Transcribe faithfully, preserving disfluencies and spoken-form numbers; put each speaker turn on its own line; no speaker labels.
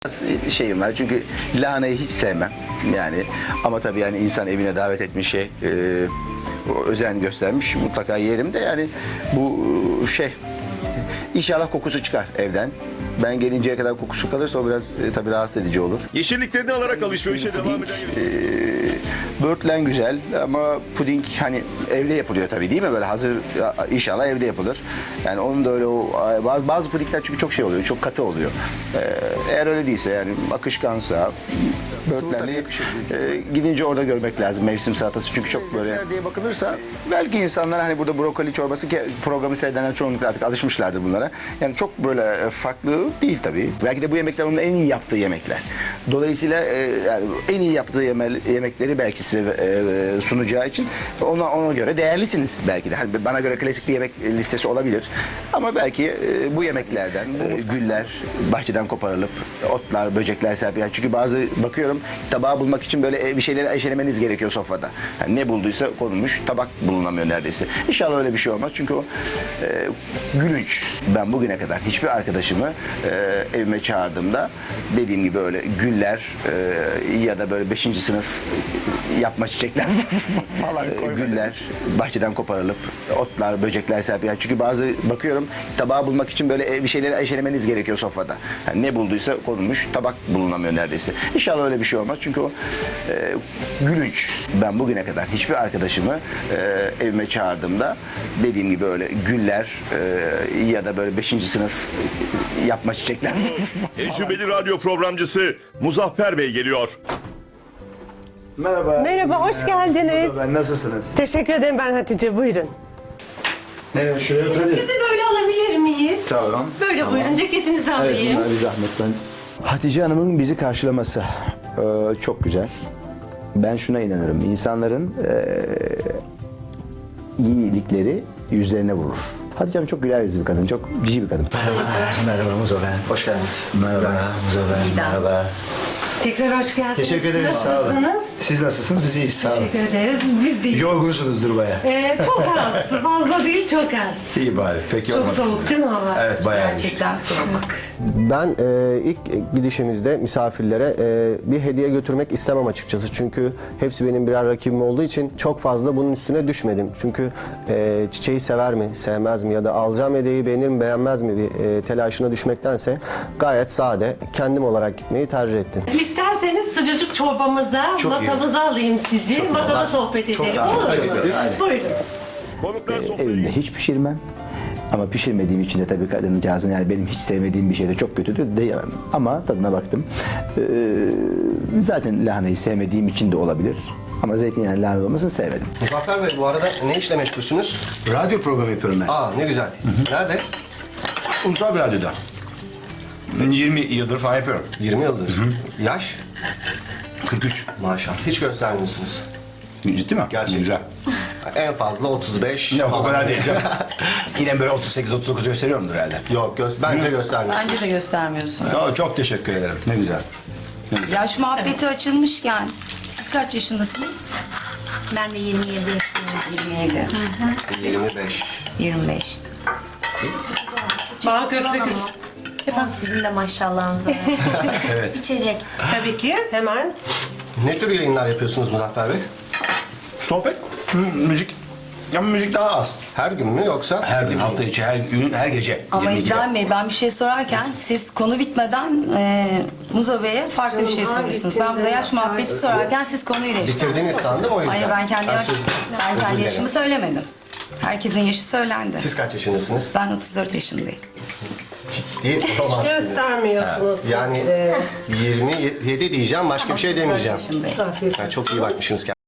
Şeyim var çünkü lahanayı hiç sevmem yani, ama tabii yani insan evine davet etmiş şey, e, özen göstermiş, mutlaka yerim de yani bu şey, inşallah kokusu çıkar evden. Ben gelinceye kadar kokusu kalırsa o biraz e, tabii rahatsız edici olur.
Yeşilliklerini alarak alışverişe devam eden
E, böğürtlen güzel ama puding hani evde yapılıyor tabii, değil mi? Böyle hazır, inşallah evde yapılır. Yani onun da öyle o bazı, bazı pudingler çünkü çok şey oluyor, çok katı oluyor. E, eğer öyle değilse yani akışkansa böğürtlenle e, gidince orada görmek lazım mevsim salatası, çünkü çok böyle diye bakılırsa belki insanlar hani burada brokoli çorbası, ki programı seyredenler çoğunlukla artık alışmışlardır bunlara. Yani çok böyle farklı değil tabii. Belki de bu yemekler onun en iyi yaptığı yemekler. Dolayısıyla e, yani en iyi yaptığı yeme yemekleri belki size e, sunacağı için ona ona göre değerlisiniz belki de. Hani bana göre klasik bir yemek listesi olabilir. Ama belki e, bu yemeklerden e, güller bahçeden koparılıp otlar, böcekler serpilen. Çünkü bazı bakıyorum tabağı bulmak için böyle bir şeyleri eşelemeniz gerekiyor sofrada. Yani ne bulduysa konulmuş, tabak bulunamıyor neredeyse. İnşallah öyle bir şey olmaz. Çünkü o e, gülünç. Ben bugüne kadar hiçbir arkadaşımı e, evime çağırdığımda dediğim gibi öyle güller e, ya da böyle beşinci sınıf yapma çiçekler falan e, güller bahçeden koparılıp otlar, böcekler serpilen. Çünkü bazı bakıyorum tabağı bulmak için böyle bir şeyleri eşelemeniz gerekiyor sofrada. Yani ne bulduysa konulmuş, tabak bulunamıyor neredeyse. İnşallah öyle bir şey olmaz. Çünkü o e, gülünç. Ben bugüne kadar hiçbir arkadaşımı e, evime çağırdığımda dediğim gibi öyle güller e, ya da böyle beşinci sınıf yapma çiçekler.
tecrübeli radyo programcısı Muzaffer Bey geliyor.
Merhaba.
Merhaba, hoş geldiniz.
Ben nasılsınız?
Teşekkür ederim, ben Hatice, buyurun.
Ne şuraya oturayım.
Sizi böyle alabilir miyiz?
Tamam.
Böyle
Tamam.
buyurun, ceketinizi
Evet,
alayım.
bir zahmet ben. Hatice Hanım'ın bizi karşılaması e, çok güzel. Ben şuna inanırım. İnsanların e, iyilikleri yüzlerine vurur. Hatice Hanım çok güler yüzlü bir kadın, çok cici bir kadın.
Merhaba Muzaffer. Hoş geldiniz.
Merhaba
Muzaffer. Merhaba.
Tekrar hoş geldiniz.
Teşekkür ederiz.
Siz
Sağ olun.
nasılsınız?
Siz nasılsınız? Biz iyiyiz. Sağ olun.
Teşekkür ederiz. Biz de
Yorgunsunuzdur bayağı.
Ee, çok az, fazla değil, çok az.
İyi bari. Peki
Çok
olmadı
soğuk
size.
değil mi hava?
Evet bayağı.
Gerçekten soğuk.
Ben e, ilk gidişimizde misafirlere e, bir hediye götürmek istemem açıkçası. Çünkü hepsi benim birer rakibim olduğu için çok fazla bunun üstüne düşmedim. Çünkü e, çiçeği sever mi, sevmez mi ya da alacağım hediyeyi beğenir mi, beğenmez mi bir e, telaşına düşmektense gayet sade, kendim olarak gitmeyi tercih ettim.
İsterseniz sıcacık çorbamıza,
Çok iyi.
masamıza alayım sizi.
Çok
Masada
daha-
sohbet
çok
edelim.
daha-
Olur mu?
teşekkür ederim. Aynen.
Buyurun.
Konuklar sofrayı
Evimde hiç pişirmem. Ama pişirmediğim için de tabii kadıncağızın, yani benim hiç sevmediğim bir şey de çok kötüdür diyemem. Ama tadına baktım. Ee, zaten lahanayı sevmediğim için de olabilir. Ama zeytinyağlı lahana olmasını sevmedim.
Muzaffer Bey bu arada ne işle meşgulsünüz?
Radyo programı yapıyorum ben.
Aa ne güzel. Nerede?
Ulusal bir radyoda. Ben yirmi yıldır falan yapıyorum.
yirmi yıldır. Yaş?
kırk üç.
Maşallah. Hiç göstermiyorsunuz.
Ciddi mi?
Gerçekten.
Güzel.
En fazla otuz beş
Ne o
falan.
kadar değil canım. Yine böyle otuz sekiz otuz dokuz gösteriyorumdur herhalde.
Yok gö bence göstermiyorsunuz.
Bence de göstermiyorsun.
Aa, çok teşekkür ederim. Ne güzel.
Yaş muhabbeti açılmışken siz kaç yaşındasınız?
Ben de yirmi yedi yaşındayım.
yirmi yedi.
yirmi beş.
yirmi beş.
Bana köfte kız.
Efendim sizin de maşallahınız var.
Evet.
İçecek.
Tabii ki, hemen.
Ne tür yayınlar yapıyorsunuz Muzaffer Bey?
Sohbet, hı, müzik. Ama müzik daha az.
Her gün mü yoksa?
Her gün, hafta içi, her gün, her gece.
Ama
yirmi ikide.
İbrahim Bey ben bir şey sorarken siz konu bitmeden e, Muzo Bey'e farklı bir şey
Canım,
soruyorsunuz.
hangisinde?
Ben burada yaş muhabbeti sorarken siz konuyu değiştirdiniz.
Bitirdiniz sandım o yüzden.
Hayır ben kendi,
Ben
yaş,
söz-
ben
özür
kendi
dilerim.
yaşımı söylemedim. Herkesin yaşı söylendi.
Siz kaç yaşındasınız?
Ben otuz dört yaşındayım.
Değil olamazsınız.
Göstermiyorsunuz siz
Yani
de.
yirmi yedi diyeceğim, başka bir şey demeyeceğim.
otuz dört yaşındayım.
Afiyet
Yani çok iyi bakmışsınız kendinize.